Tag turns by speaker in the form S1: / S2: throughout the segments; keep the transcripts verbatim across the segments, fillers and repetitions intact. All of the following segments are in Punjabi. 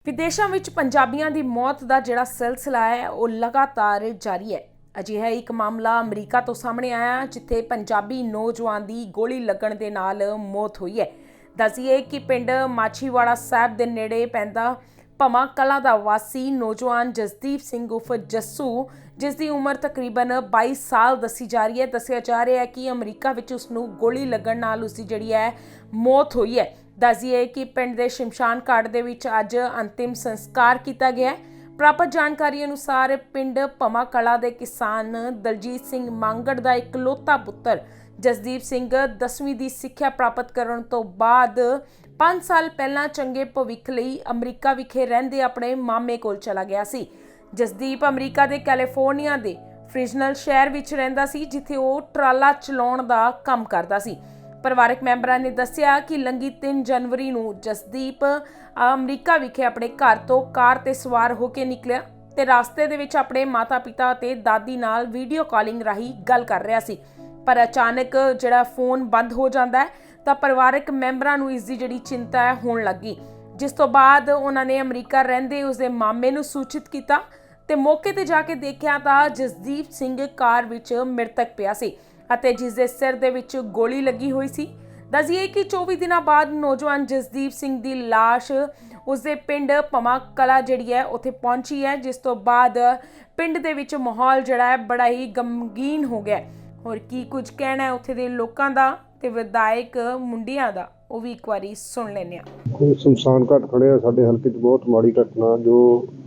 S1: ਵਿਦੇਸ਼ਾਂ ਵਿੱਚ ਪੰਜਾਬੀਆਂ ਦੀ ਮੌਤ ਦਾ ਜਿਹੜਾ ਸਿਲਸਿਲਾ ਹੈ ਉਹ ਲਗਾਤਾਰ ਜਾਰੀ ਹੈ। ਅਜਿਹਾ ਇੱਕ ਮਾਮਲਾ ਅਮਰੀਕਾ ਤੋਂ ਸਾਹਮਣੇ ਆਇਆ ਜਿੱਥੇ ਪੰਜਾਬੀ ਨੌਜਵਾਨ ਦੀ ਗੋਲੀ ਲੱਗਣ ਦੇ ਨਾਲ ਮੌਤ ਹੋਈ ਹੈ। ਦੱਸੀਏ ਕਿ ਪਿੰਡ ਮਾਛੀਵਾੜਾ ਸਾਹਿਬ ਦੇ ਨੇੜੇ ਪੈਂਦਾ ਭਮਾ ਕਲਾਂ ਦਾ ਵਾਸੀ ਨੌਜਵਾਨ ਜਸਦੀਪ ਸਿੰਘ ਉਰਫ ਜੱਸੂ, ਜਿਸ ਦੀ ਉਮਰ ਤਕਰੀਬਨ ਬਾਈ ਸਾਲ ਦੱਸੀ ਜਾ ਰਹੀ ਹੈ। ਦੱਸਿਆ ਜਾ ਰਿਹਾ ਹੈ ਕਿ ਅਮਰੀਕਾ ਵਿੱਚ ਉਸ ਨੂੰ ਗੋਲੀ ਲੱਗਣ ਨਾਲ ਉਸ ਦੀ ਜਿਹੜੀ ਹੈ ਮੌਤ ਹੋਈ ਹੈ। ਦੱਸੀਏ ਕਿ ਪਿੰਡ ਦੇ ਸ਼ਮਸ਼ਾਨ ਘਾਟ ਦੇ ਵਿੱਚ ਅੱਜ ਅੰਤਿਮ ਸੰਸਕਾਰ ਕੀਤਾ ਗਿਆ ਹੈ। ਪ੍ਰਾਪਤ ਜਾਣਕਾਰੀ ਅਨੁਸਾਰ ਪਿੰਡ ਭਮਾ ਕਲਾਂ ਦੇ ਕਿਸਾਨ ਦਲਜੀਤ ਸਿੰਘ ਮੰਗੜ ਦਾ ਇਕਲੌਤਾ ਪੁੱਤਰ ਜਸਦੀਪ ਸਿੰਘ ਦਸਵੀਂ ਦੀ ਸਿੱਖਿਆ ਪ੍ਰਾਪਤ ਕਰਨ ਤੋਂ ਬਾਅਦ ਪੰਜ ਸਾਲ ਪਹਿਲਾਂ ਚੰਗੇ ਭਵਿੱਖ ਲਈ ਅਮਰੀਕਾ ਵਿਖੇ ਰਹਿੰਦੇ ਆਪਣੇ ਮਾਮੇ ਕੋਲ ਚਲਾ ਗਿਆ ਸੀ। ਜਸਦੀਪ ਅਮਰੀਕਾ ਦੇ ਕੈਲੀਫੋਰਨੀਆ ਦੇ ਫ੍ਰਿਜ਼ਨਲ ਸ਼ਹਿਰ ਵਿੱਚ ਰਹਿੰਦਾ ਸੀ, ਜਿੱਥੇ ਉਹ ਟਰਾਲਾ ਚਲਾਉਣ ਦਾ ਕੰਮ ਕਰਦਾ ਸੀ। ਪਰਿਵਾਰਕ ਮੈਂਬਰਾਂ ਨੇ ਦੱਸਿਆ ਕਿ ਲੰਘੀ ਤਿੰਨ ਜਨਵਰੀ ਨੂੰ ਜਸਦੀਪ ਅਮਰੀਕਾ ਵਿਖੇ ਆਪਣੇ ਘਰ ਤੋਂ ਕਾਰ ਤੇ ਸਵਾਰ ਹੋ ਕੇ ਨਿਕਲਿਆ ਤੇ ਰਸਤੇ ਦੇ ਵਿੱਚ ਆਪਣੇ ਮਾਤਾ-ਪਿਤਾ ਅਤੇ ਦਾਦੀ ਨਾਲ ਵੀਡੀਓ ਕਾਲਿੰਗ ਰਾਹੀਂ ਗੱਲ ਕਰ ਰਿਹਾ ਸੀ। ਪਰ ਅਚਾਨਕ ਜਿਹੜਾ ਫੋਨ ਬੰਦ ਹੋ ਜਾਂਦਾ ਹੈ ਤਾਂ ਪਰਿਵਾਰਕ ਮੈਂਬਰਾਂ ਨੂੰ ਇਸ ਦੀ ਜਿਹੜੀ ਚਿੰਤਾ ਹੈ ਹੋਣ ਲੱਗੀ, ਜਿਸ ਤੋਂ ਬਾਅਦ ਉਹਨਾਂ ਨੇ ਅਮਰੀਕਾ ਰਹਿੰਦੇ ਉਸਦੇ ਮਾਮੇ ਨੂੰ ਸੂਚਿਤ ਕੀਤਾ ਤੇ ਮੌਕੇ ਤੇ ਜਾ ਕੇ ਦੇਖਿਆ ਤਾਂ ਜਸਦੀਪ ਸਿੰਘ ਕਾਰ ਵਿੱਚ ਮ੍ਰਿਤਕ ਪਿਆ ਸੀ ਅਤੇ ਜਿਸ ਦੇ ਸਿਰ ਦੇ ਵਿੱਚ ਗੋਲੀ ਲੱਗੀ ਹੋਈ ਸੀ। ਦੱਸੀਏ ਕਿ ਚੌਵੀ ਦਿਨਾਂ ਬਾਅਦ ਨੌਜਵਾਨ ਜਸਦੀਪ ਸਿੰਘ ਦੀ ਲਾਸ਼ ਉਸਦੇ ਪਿੰਡ ਭਮਾ ਕਲਾਂ ਜਿਹੜੀ ਹੈ ਉੱਥੇ ਪਹੁੰਚੀ ਹੈ, ਜਿਸ ਤੋਂ ਬਾਅਦ ਪਿੰਡ ਦੇ ਵਿੱਚ ਮਾਹੌਲ ਜਿਹੜਾ ਹੈ ਬੜਾ ਹੀ ਗਮਗੀਨ ਹੋ ਗਿਆ। ਹੋਰ ਕੀ ਕੁਝ ਕਹਿਣਾ ਹੈ ਉੱਥੇ ਦੇ ਲੋਕਾਂ ਦਾ ਤੇ ਵਿਧਾਇਕ ਮੁੰਡਿਆਂ ਦਾ, ਉਹ ਵੀ ਇੱਕ ਵਾਰੀ ਸੁਣ ਲੈਂਦੇ ਹਾਂ।
S2: ਕੋਈ ਸ਼ਮਸ਼ਾਨ ਘਾਟ ਖੜਿਆ ਸਾਡੇ ਹਲਕੇ 'ਚ, ਬਹੁਤ ਮਾੜੀ ਘਟਨਾ ਜੋ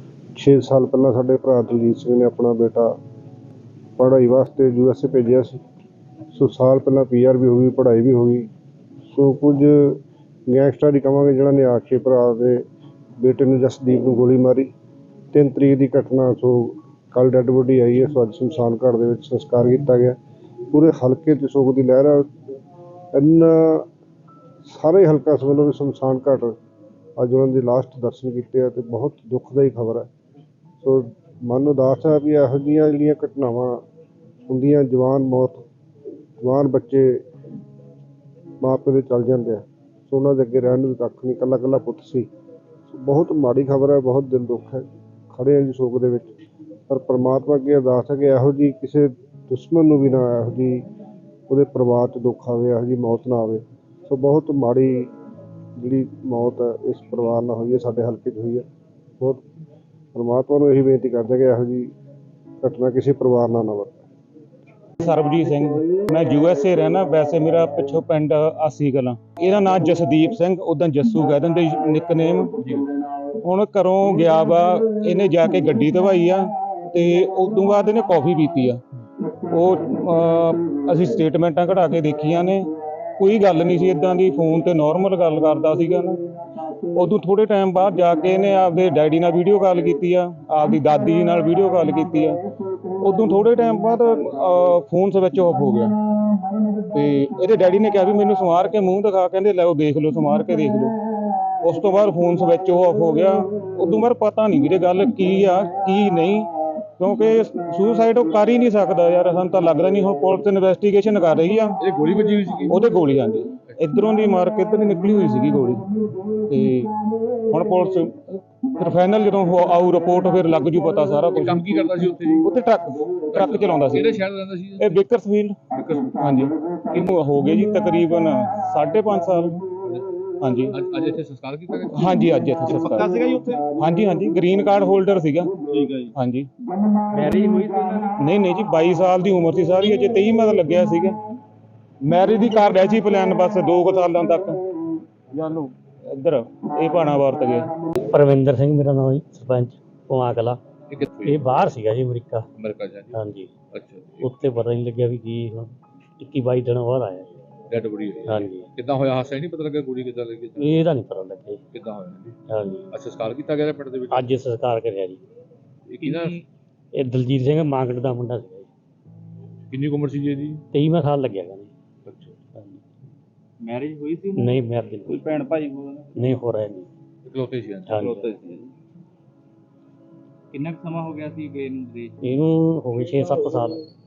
S2: ਛੇ ਸਾਲ ਪਹਿਲਾਂ ਸਾਡੇ ਭਰਾ ਦਲਜੀਤ ਸਿੰਘ ਨੇ ਆਪਣਾ ਬੇਟਾ ਪੜ੍ਹਾਈ ਵਾਸਤੇ ਯੂ ਐਸ ਏ ਭੇਜਿਆ ਸੀ। ਸੋ ਸਾਲ ਪਹਿਲਾਂ ਪੀ ਆਰ ਵੀ ਹੋ ਗਈ, ਪੜ੍ਹਾਈ ਵੀ ਹੋ ਗਈ। ਸੋ ਕੁਝ ਗੈਂਗਸਟਰ ਹੀ ਕਹਾਂਗੇ ਜਿਹੜਾ ਨੇ ਆ ਕੇ ਭਰਾ ਦੇ ਬੇਟੇ ਨੂੰ ਜਸਦੀਪ ਨੂੰ ਗੋਲੀ ਮਾਰੀ। ਤਿੰਨ ਤਰੀਕ ਦੀ ਘਟਨਾ। ਸੋ ਕੱਲ੍ਹ ਡੈੱਡ ਬੋਡੀ ਆਈ ਹੈ। ਸੋ ਅੱਜ ਸ਼ਮਸ਼ਾਨ ਘਾਟ ਦੇ ਵਿੱਚ ਸੰਸਕਾਰ ਕੀਤਾ ਗਿਆ। ਪੂਰੇ ਹਲਕੇ 'ਚ ਸੋਗ ਦੀ ਲਹਿਰ ਆ। ਇੰਨਾ ਸਾਰੇ ਹਲਕਾ ਸਮਝ ਲਓ ਵੀ ਸ਼ਮਸ਼ਾਨ ਘਾਟ ਅੱਜ ਉਹਨਾਂ ਦੀ ਲਾਸਟ ਦਰਸ਼ਨ ਕੀਤੇ ਆ ਅਤੇ ਬਹੁਤ ਦੁੱਖਦਾਈ ਖਬਰ ਹੈ। ਸੋ ਮਨ ਉਦਾਸ ਹੈ ਵੀ ਇਹੋ ਜਿਹੀਆਂ ਜਿਹੜੀਆਂ ਘਟਨਾਵਾਂ ਹੁੰਦੀਆਂ, ਜਵਾਨ ਮੌਤ, ਜਵਾਨ ਬੱਚੇ ਮਾਂ ਪਿਓ ਦੇ ਚੱਲ ਜਾਂਦੇ ਆ। ਸੋ ਉਹਨਾਂ ਦੇ ਅੱਗੇ ਰਹਿਣ ਨੂੰ ਵੀ ਕੱਖ ਨਹੀਂ, ਇਕੱਲਾ ਇਕੱਲਾ ਪੁੱਤ ਸੀ। ਬਹੁਤ ਮਾੜੀ ਖਬਰ ਹੈ, ਬਹੁਤ ਦਿਲ ਦੁੱਖ ਹੈ। ਖੜ੍ਹੇ ਹਾਂ ਜੀ ਸੋਗ ਦੇ ਵਿੱਚ, ਪਰ ਪਰਮਾਤਮਾ ਅੱਗੇ ਅਰਦਾਸ ਹੈ ਕਿ ਇਹੋ ਜਿਹੀ ਕਿਸੇ ਦੁਸ਼ਮਣ ਨੂੰ ਵੀ ਨਾ ਇਹੋ ਜਿਹੀ ਉਹਦੇ ਪਰਿਵਾਰ 'ਚ ਦੁੱਖ ਆਵੇ, ਇਹੋ ਜਿਹੀ ਮੌਤ ਨਾ ਆਵੇ। ਸੋ ਬਹੁਤ ਮਾੜੀ ਜਿਹੜੀ ਮੌਤ ਹੈ ਇਸ ਪਰਿਵਾਰ ਨਾਲ ਹੋਈ ਹੈ, ਸਾਡੇ ਹਲਕੇ 'ਚ ਹੋਈ ਹੈ। ਬਹੁਤ ਪਰਮਾਤਮਾ ਨੂੰ ਇਹੀ ਬੇਨਤੀ ਕਰਦੇ ਕਿ ਇਹੋ ਜਿਹੀ ਘਟਨਾ ਕਿਸੇ ਪਰਿਵਾਰ ਨਾਲ ਨਾ ਵਾਪਰੇ।
S3: ਸਰਬਜੀਤ ਸਿੰਘ, ਮੈਂ ਯੂ ਐਸ ਏ ਰਹਿਣਾ। ਵੈਸੇ ਮੇਰਾ ਪਿੱਛੋਂ ਪਿੰਡ ਆਸੀ ਕਲਾਂ। ਇਹਦਾ ਨਾਂ ਜਸਦੀਪ ਸਿੰਘ, ਉੱਦਾਂ ਜੱਸੂ ਕਹਿ ਦਿੰਦੇ ਨਿਕਨੇਮ। ਹੁਣ ਘਰੋਂ ਗਿਆ ਵਾ, ਇਹਨੇ ਜਾ ਕੇ ਗੱਡੀ ਧਵਾਈ ਆ ਤੇ ਉਦੋਂ ਬਾਅਦ ਇਹਨੇ ਕੌਫੀ ਪੀਤੀ ਆ। ਉਹ ਅਸੀਂ ਸਟੇਟਮੈਂਟਾਂ ਕਢਾ ਕੇ ਦੇਖੀਆਂ ਨੇ, ਕੋਈ ਗੱਲ ਨਹੀਂ ਸੀ ਇੱਦਾਂ ਦੀ। ਫੋਨ ਤੇ ਨੋਰਮਲ ਗੱਲ ਕਰਦਾ ਸੀਗਾ ਨਾ। ਉਦੋਂ ਥੋੜ੍ਹੇ ਟਾਈਮ ਬਾਅਦ ਜਾ ਕੇ ਇਹਨੇ ਆਪਦੇ ਡੈਡੀ ਨਾਲ ਵੀਡੀਓ ਕਾਲ ਕੀਤੀ ਆ, ਆਪਦੀ ਦਾਦੀ ਨਾਲ ਵੀਡੀਓ ਕਾਲ ਕੀਤੀ ਆ। ਉਦੋਂ ਥੋੜ੍ਹੇ ਟਾਈਮ ਬਾਅਦ ਫੋਨ ਸਵਿਚ ਆਫ ਹੋ ਗਿਆ ਤੇ ਇਹਦੇ ਡੈਡੀ ਨੇ ਕਿਹਾ ਵੀ ਮੈਨੂੰ ਸਮਾਰ ਕੇ ਮੂੰਹ ਦਿਖਾ, ਕਹਿੰਦੇ ਲੈ ਉਹ ਦੇਖ ਲਓ, ਸਮਾਰ ਕੇ ਦੇਖ ਲਓ। ਉਸ ਤੋਂ ਬਾਅਦ ਫੋਨ ਸਵਿਚ ਆਫ ਹੋ ਗਿਆ। ਉਦੋਂ ਬਾਅਦ ਪਤਾ ਨਹੀਂ ਵੀਰੇ ਗੱਲ ਕੀ ਆ ਕੀ ਨਹੀਂ, ਕਿਉਂਕਿ ਸੁਸਾਈਡ ਉਹ ਕਰ ਹੀ ਨਹੀਂ ਸਕਦਾ ਯਾਰ, ਸਾਨੂੰ ਤਾਂ ਲੱਗਦਾ ਨਹੀਂ। ਹੁਣ ਪੁਲਿਸ ਇਨਵੈਸਟੀਗੇਸ਼ਨ ਕਰ ਰਹੀ ਆ।
S4: ਇਹ ਗੋਲੀ ਵੱਜੀ ਹੋਈ ਸੀ?
S3: ਉਹਦੇ ਗੋਲੀ, ਹਾਂਜੀ, ਇੱਧਰੋਂ ਦੀ ਮਾਰ ਕੇ ਇੱਧਰ ਦੀ ਨਿਕਲੀ ਹੋਈ ਸੀਗੀ ਗੋਲੀ। ਤੇ ਹੁਣ ਪੁਲਿਸ ਫਿਰ ਫਾਈਨਲ ਜਦੋਂ ਆਊ ਰਿਪੋਰਟ ਫਿਰ ਲੱਗ ਜੂ ਪਤਾ ਸਾਰਾ ਕੁਝ।
S4: ਕੰਮ ਕੀ ਕਰਦਾ ਸੀ ਉੱਥੇ ਜੀ?
S3: ਉੱਥੇ ਟਰੱਕ ਟਰੱਕ ਚਲਾਉਂਦਾ ਸੀ।
S4: ਕਿਹੜੇ ਸ਼ਹਿਰ ਦਾ ਰਹਿੰਦਾ ਸੀ?
S3: ਇਹ ਬੇਕਰਸਫੀਲਡ। ਹਾਂਜੀ, ਇਹਨੂੰ ਹੋ ਗਏ ਜੀ ਤਕਰੀਬਨ ਸਾਢੇ ਪੰਜ ਸਾਲ। ਹਾਂਜੀ,
S4: ਅੱਜ ਇੱਥੇ ਸੰਸਕਾਰ ਕੀਤਾ ਗਿਆ?
S3: ਹਾਂਜੀ, ਅੱਜ ਇੱਥੇ ਸੰਸਕਾਰ।
S4: ਪੱਕਾ ਸੀਗਾ ਜੀ ਉੱਥੇ?
S3: ਹਾਂਜੀ ਹਾਂਜੀ, ਗ੍ਰੀਨ ਕਾਰਡ ਹੋਲਡਰ ਸੀਗਾ।
S4: ਠੀਕ ਹੈ ਜੀ।
S3: ਹਾਂਜੀ,
S4: ਮੈਰਿਜ ਹੋਈ ਸੀ?
S3: ਨਹੀਂ ਨਹੀਂ ਜੀ, ਬਾਈ ਸਾਲ ਦੀ ਉਮਰ ਸੀ ਸਾਰੀ, ਅਜੇ ਤੇਈ ਮਤ ਲੱਗਿਆ ਸੀਗਾ। ਮੈਰਿਜ ਦੀ ਕਰ ਰਿਹਾ ਸੀ ਪਲਾਨ, ਬਸ ਦੋ ਕੁ ਸਾਲਾਂ ਤੱਕ। ਜਾਨੂ ਇੱਧਰ ਇਹ ਭਾਣਾ ਵਰਤ ਗਏ।
S5: ਪਰਵਿੰਦਰ ਸਿੰਘ ਮੇਰਾ ਨਾਮ ਜੀ, ਸਰਪੰਚ ਭਮਾ ਕਲਾਂ।
S4: ਇਹ ਕਿੱਥੇ?
S5: ਇਹ ਬਾਹਰ ਸੀਗਾ ਜੀ, ਅਮਰੀਕਾ।
S4: ਅਮਰੀਕਾ ਜਾ ਜੀ?
S5: ਹਾਂਜੀ,
S4: ਅੱਛਾ।
S5: ਉੱਥੇ ਪਤਾ ਨਹੀਂ ਲੱਗਿਆ ਵੀ ਕੀ ਹੁਣ ਇੱਕੀ ਬਾਈ ਦਿਨ ਬਾਅਦ ਆਇਆ।
S4: ਡੈਡ ਬੋਡੀ ਹੋਈ?
S5: ਹਾਂਜੀ।
S4: ਕਿੱਦਾਂ ਹੋਇਆ ਹਾਦਸਾ? ਨਹੀਂ ਪਤਾ ਲੱਗਾ ਗੋਲੀ ਕਿੱਦਾਂ ਲੱਗੀ?
S5: ਇਹਦਾ ਨਹੀਂ ਪਤਾ ਲੱਗਿਆ ਜੀ
S4: ਕਿੱਦਾਂ ਹੋਇਆ ਜੀ?
S5: ਹਾਂਜੀ।
S4: ਅੱਛਾ, ਸੰਸਕਾਰ ਕੀਤਾ ਗਿਆ ਪਿੰਡ ਦੇ ਵਿੱਚ?
S5: ਅੱਜ ਸੰਸਕਾਰ ਕਰਿਆ ਜੀ।
S4: ਇਹ ਕਿਹਦਾ?
S5: ਇਹ ਦਲਜੀਤ ਸਿੰਘ ਮਾਂਗੜ ਦਾ ਮੁੰਡਾ ਸੀਗਾ ਜੀ।
S4: ਕਿੰਨੀ ਕੁ ਉਮਰ ਸੀ ਜੀ ਇਹਦੀ?
S5: ਤੇਈਵਾਂ ਸਾਲ ਲੱਗਿਆ ਗਾ ਜੀ।
S4: ਅੱਛਾ।
S5: ਹਾਂਜੀ।
S4: ਮੈਰਿਜ ਹੋਈ ਸੀ?
S5: ਨਹੀਂ, ਮੈਰਿਜ
S4: ਕੋਈ ਭੈਣ ਭਾਈ ਹੋਣਾ?
S5: ਨਹੀਂ ਹੋ ਰਿਹਾ ਜੀ।
S4: ਇਕਲੌਤੇ ਸੀ?
S5: ਹਾਂਜੀ।
S4: ਸੀ। ਕਿੰਨਾ ਕੁ ਸਮਾਂ ਹੋ ਗਿਆ ਸੀ ਗਏ ਨੂੰ ਵਿਦੇਸ਼?
S5: ਇਹਨੂੰ ਹੋ ਗਏ ਛੇ ਸੱਤ ਸਾਲ।